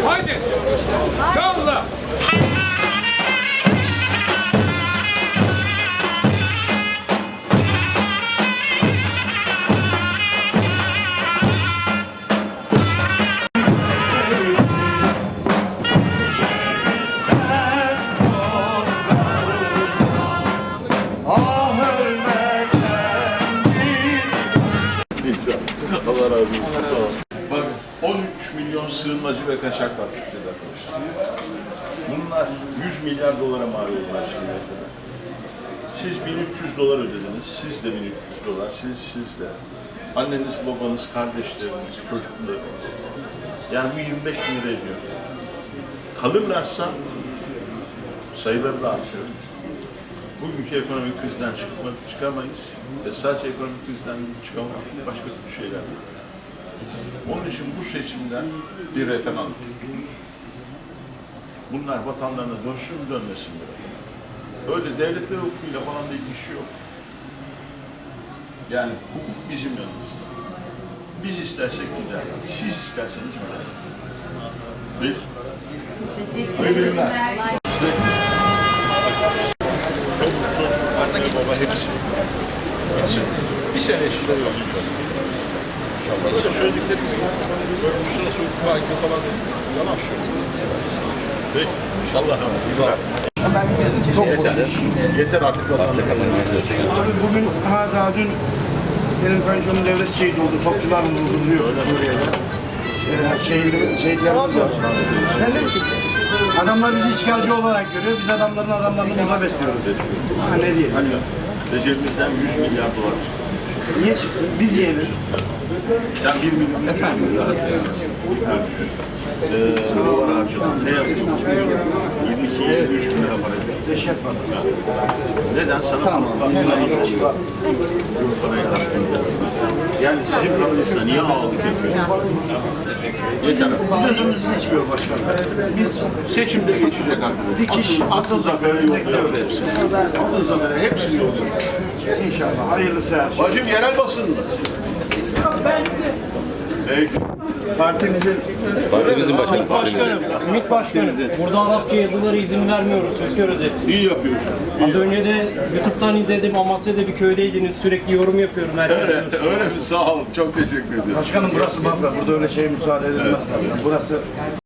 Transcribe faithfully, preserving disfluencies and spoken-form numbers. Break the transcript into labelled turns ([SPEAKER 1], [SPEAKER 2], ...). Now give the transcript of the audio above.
[SPEAKER 1] Haydi. Yolla.
[SPEAKER 2] Allah razı olsun. Sağ ol. Bak on üç milyon sığınmacı ve kaçak var Türkiye'de arkadaşlar. Bunlar yüz milyar dolara mal oldular şimdiye kadar. Siz bin üç yüz dolar ödediniz, siz de bin üç yüz dolar, siz, siz de. Anneniz, babanız, kardeşleriniz, çocuklarınız. Yani bu yirmi beş bin lira ediyor. Kalırlarsa sayıları da artıyor. Bugünkü ekonomik krizden çıkma, çıkamayız ve sadece ekonomik krizden çıkamayız, başka bir şeyler yok. Onun için bu seçimden bir referandum. Bunlar vatanlarına dönsün mü dönmesin mi? Öyle devletler hukukuyla falan da ilgisi yok. Yani hukuk bizim yanımızda. Biz istersek gider, siz isterseniz gider. Biz?
[SPEAKER 3] Teşekkür ederim.
[SPEAKER 2] Çocuk, çocuk, anne, baba hepsi. Gitsin. Bir sene içinde yollayacağız inşallah. İnşallah. Böyle söyledikleri gibi. Böyle bir süre sonra belki falan yalan söylüyor. Peki. İnşallah. Güzel.
[SPEAKER 4] Çok
[SPEAKER 2] Yeter. Yeter artık.
[SPEAKER 4] Abi bugün, ha daha dün benim kayınçomun devlet şehit oldu. Topçular vuruldu biliyorsun Suriye'de. Ee, şehitler, şehitlerimiz var. Adamlar bizi işgalci olarak görüyor. Biz adamların adamlarını burada besliyoruz. Ha ne diyeyim?
[SPEAKER 2] Hani Recep'imizden yüz milyar dolar çıktı.
[SPEAKER 4] Niye çıksın? Biz yiyelim.
[SPEAKER 2] Sen bir milyon üç yüz milyar ee, dolar harcadın. Ne yapıyorsun? yirmi iki yirmi üç bin lira para ediyor.
[SPEAKER 4] Dehşet var.
[SPEAKER 2] Neden? Sana tamam. Yani sizin paranızla niye ağırlık yapıyor? Yeter.
[SPEAKER 4] Sözümüz geçmiyor başkanım. Biz
[SPEAKER 2] Seçimde geçecek artık.
[SPEAKER 4] dikiş,
[SPEAKER 2] Atıl zafere yolluyoruz hepsini. Atıl zafere hepsini yolluyoruz.
[SPEAKER 4] inşallah hayırlısı her şey.
[SPEAKER 2] Bacım yerel basın mı? Peki.
[SPEAKER 4] Partimizin
[SPEAKER 5] Partimizin başkanı.
[SPEAKER 6] Başkanım, Ümit Başkanım, burada Arapça yazıları izin vermiyoruz, Söker Özet.
[SPEAKER 2] İyi yapıyorsun.
[SPEAKER 6] Az önce de YouTube'dan izledim, Amasya'da bir köydeydiniz, sürekli yorum yapıyorum.
[SPEAKER 2] Öyle, öyle mi? Sağ ol. Çok teşekkür ediyorum.
[SPEAKER 4] başkanım burası Bafra. Burada öyle şey müsaade edilmez. Burası